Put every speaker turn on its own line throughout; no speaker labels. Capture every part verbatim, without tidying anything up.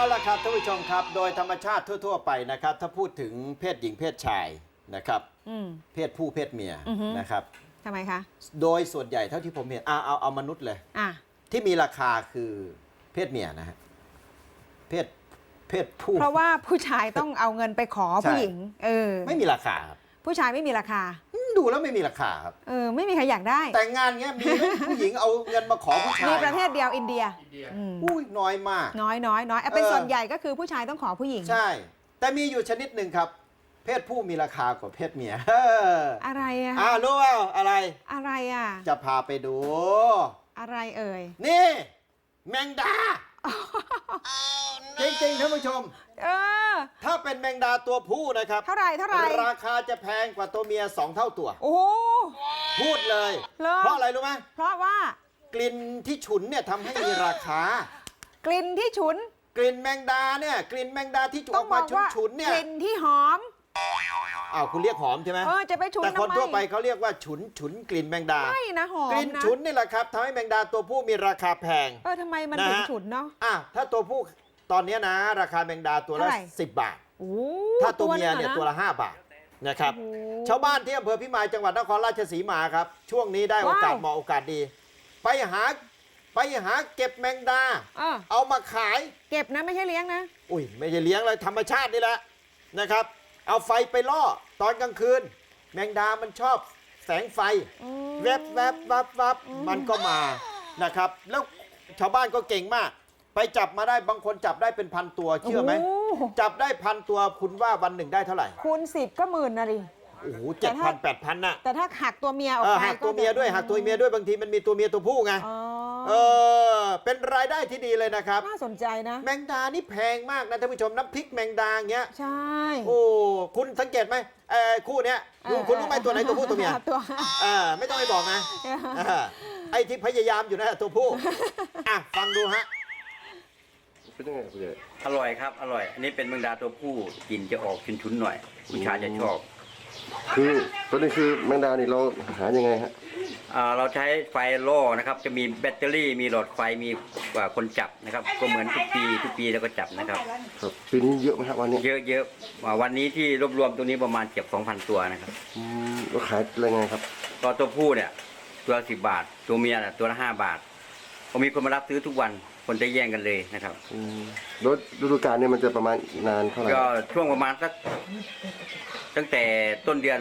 เอาละครับท่านผู้ชมครับโดยธรรมชาติทั่วๆไปนะครับถ้าพูดถึงเพศหญิงเพศชายนะครับเพศผู้เพศเมียนะครับ
ทำไมคะ
โดยส่วนใหญ่เท่าที่ผมเห็นเอาเอาเอามนุษย์เลยที่มีราคาคือเพศเมียนะฮะเพศเพศผู้
เพราะว่าผู้ชายต้องเอาเงินไปขอผู้หญิงเออ
ไม่มีราคาครับ
ผู้ชายไม่มีราคา
ดูแล้วไม่มีราคาครับ
เออไม่มีใครอยากได้
แต่งงานเงี้ยมีไหมผู้หญิงเอาเงินมาขอผู้ชาย
มีประเทศเดียวอินเดีย
อุ้ยน้อยมาก
น้อยน้อยน้อยเป็นส่วนใหญ่ก็คือผู้ชายต้องขอผู้หญิง
ใช่แต่มีอยู่ชนิดหนึ่งครับเพศผู้มีราคากว่าเพศเมีย
อะไรอะ
อ่ารู้ว่าอะไร
อะไรอะ
จะพาไปดู
อะไรเอ่ย
นี่แมงดาจริงๆท่านผู้ชม
เออ
ถ้าเป็นแมงดาตัวผู้นะครับ
เท่าไหร่เท่าไหร่
ราคาจะแพงกว่าตัวเมียสองเท่าตัว
โอ้
พูดเลยเพราะอะไรรู้ไหม
เพราะว่าก
ลิ่นที่ฉุนเนี่ยทำให้มีราคาก
ลิ่นที่ฉุน
กลิ่นแมงดาเนี่ยกลิ่นแมงดาที่ออกมาฉุนๆเนี่ย
กลิ่นที่หอม
อ้าวคุณเรียกหอมใช่ไหม
เออจะไปฉุน
แต่คนทั่วไปเขาเรียกว่าฉุนฉุนกลิ่นแมงดา
ไม่นะหอม
กลิ่นฉุนนี่แหละครับทำให้แมงดาตัวผู้มีราคาแพง
เออทำไมมันถึงฉุนเนาะ
อ่ะถ้าตัวผู้ตอนนี้นะราคาแมงดาตัวละสิบบาทถ้าตัวเมียเนี่ยตัวละห้าบาทนะครับชาวบ้านที่อำเภอพิมายจังหวัดนครราชสีมาครับช่วงนี้ได้โอกาสเหมาะโอกาสดีไปหาไปหาเก็บแมงดาเอามาขาย
เก็บนะไม่ใช่เลี้ยงนะ
อุ้ยไม่ใช่เลี้ยงเลยธรรมชาตินี่แหละนะครับเอาไฟไปล่อตอนกลางคืนแมงดามันชอบแสงไฟแวบแวบวับวับมันก็มานะครับแล้วชาวบ้านก็เก่งมากไปจับมาได้บางคนจับได้เป็นพันตัวเชื่อไหมจับได้พันตัวคุณว่าวันหนึ่งได้เท่าไหร่
คูณสิบก็หมื่นนะดิ
โอ้โหเจ็ดพันแปดพันน่ะ
แต่ถ้าหักตัวเมียออกไป
หักตัวเมียด้วยหักตัวเมียด้วยบางทีมันมีตัวเมียตัวผู้ไงเออเป็นรายได้ที่ดีเลยนะครับ
น่าสนใจนะ
แมงดานี่แพงมากนะท่านผู้ชมน้ำพริกแมงดาเงี้ย
ใช่
โอ้คุณสังเกตไหมเออคู่เนี้ยคุณรู้ไหมตัวไหนตัวผู้ตัวเมีย
ตัว
เออไม่ต้องไปบอกนะไอ้ที่พยายามอยู่นะตัวผู้อ่ะฟังดูฮะ
เป็นยังไงคุณเอ๋
อร่อยครับอร่อยอันนี้เป็นแมงดาตัวผู้กลิ่นจะออกชุนๆหน่อยผู้ชายจะชอบ
คือตัวนี้คือแมงดานี่เราหายังไงฮะ
เราใช้ไฟล่อนะครับจะมีแบตเตอรี่มีหลอดไฟมีคนจับนะครับก็เหมือนทุกปีทุกปีแล้วก็จับนะครับ
ครับปีนี้เยอะไหมครับวันนี้
เยอะเยอะวันนี้ที่รวบรวมตัวนี้ประมาณเกือบสองพันตัวนะครับ
เราขายอะไรไงครับ
ตัวตัวผู้เนี่ยตัวสิบบาทตัวเมียน่ะตัวละห้าบาทพอมีคนมารับซื้อทุกวันคนจะแย่งกันเลยนะครับ
รถฤดูกาลเนี่ยมันจะประมาณนานเท่าไหร่
ก็ช่วงประมาณสักตั้งแต่ต้นเดือน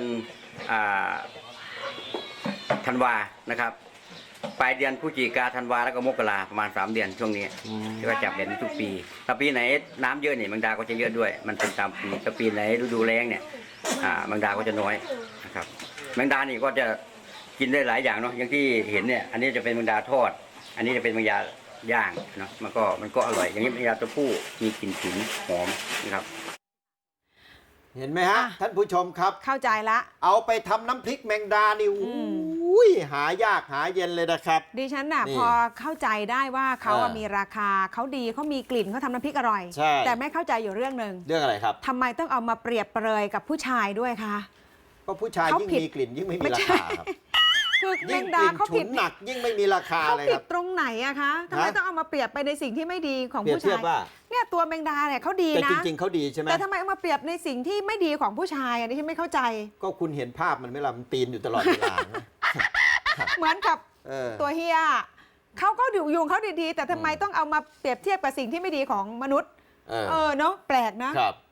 ธันวานะครับปลายเดือนพฤศจิกาธันวาแล้วก็มกราประมาณสามเดือนช่วงนี้ก็จับเห็นทุกปีถ้าปีไหนน้ำเยอะเนี่ยแมงดาก็จะเยอะด้วยมันเป็นตามปีถ้าปีไหนฤดูแล้งเนี่ยแมงดาก็จะน้อยนะครับแมงดานี่ก็จะกินได้หลายอย่างเนาะอย่างที่เห็นเนี่ยอันนี้จะเป็นแมงดาทอดอันนี้จะเป็นแมงดาย่างเนาะมันก็มันก็อร่อยอย่างนี้แมงดาตัวผู้มีกลิ่นฉุนหอมนะครับ
เห็นไหมฮะท่านผู้ชมครับ
เข้าใจละ
เอาไปทำน้ำพริกแมงดานี่อุ้ยหายากหาเย็นเลยนะครับ
ดิฉันน่ะพอเข้าใจได้ว่าเขามีราคาเขาดีเขามีกลิ่นเขาทำน้ำพริกอร่อยแต่ไม่เข้าใจอยู่เรื่องหนึ่ง
เรื่องอะไรครับ
ทำไมต้องเอามาเปรียบเปรยกับผู้ชายด้วยคะ
ก็ผู้ชายยิ่งมีกลิ่นยิ่งไม่มีราคาครับ
คือแมงดาเขาผิด
หนักยิ่งไม่มีราคาเลยครับ
เขาผิดตรงไหนอะคะทำไมต้องเอามาเปรียบไปในสิ่งที่ไม่ดีของผู้ชายเนี่ยตัวแมงดาเนี่ยเขาดีนะ
แต่จริงๆเขาดีใช่ไหม
แต่ทำไมเอามาเปรียบในสิ่งที่ไม่ดีของผู้ชายอันนี้ฉันไม่เข้าใจ
ก็คุณเห็นภาพมันไหมล่ะมันปีนอยู่ตลอดเวลา
เหมือนกับตัวเฮียเขาก็อยู่ยุงเขาดีๆแต่ทำไมต้องเอามาเปรียบเทียบกับสิ่งที่ไม่ดีของมนุษย์เออเนาะแปลกนะ